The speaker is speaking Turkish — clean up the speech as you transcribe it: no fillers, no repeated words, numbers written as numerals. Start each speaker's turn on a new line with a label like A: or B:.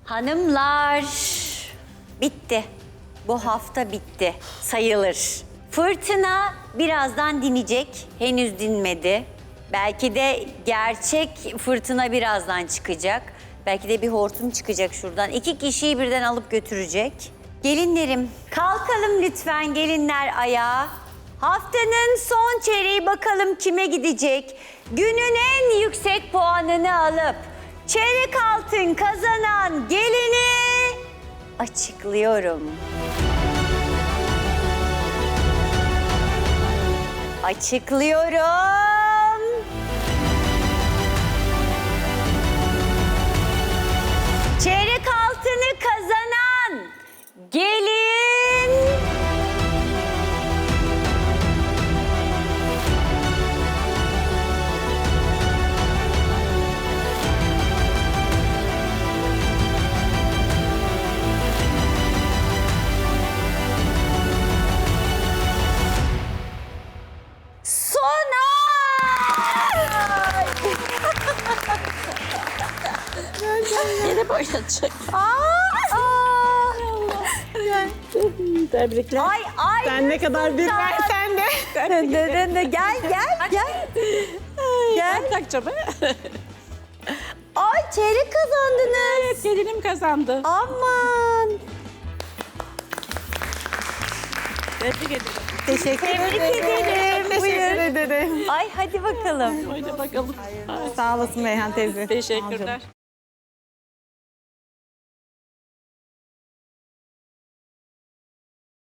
A: Hanımlar, bitti. Bu hafta bitti, sayılır. Fırtına birazdan dinecek, henüz dinmedi. Belki de gerçek fırtına birazdan çıkacak. Belki de bir hortum çıkacak şuradan. 2 kişiyi birden alıp götürecek. Gelinlerim, kalkalım lütfen gelinler ayağa. Haftanın son çeyreği bakalım kime gidecek? Günün en yüksek puanını alıp çeyrek altın kazanan gelini açıklıyorum. Açıklıyorum. Çeyrek altını kazanan gelin...
B: Yine oynatacak. Tebrikler.
A: Ay
B: Sen ne kadar bir versen de.
A: Gel. Gel.
B: Ben takacağım.
A: Ay çeyrek kazandınız.
B: Evet, gelinim kazandı.
A: Aman.
B: Tebrik ederim.
A: Tebrik ederim.
C: Teşekkür ederim.
A: Ay hadi bakalım.
B: Oyna bakalım.
C: Sağ olasın Beyhan teyze.
B: Teşekkürler.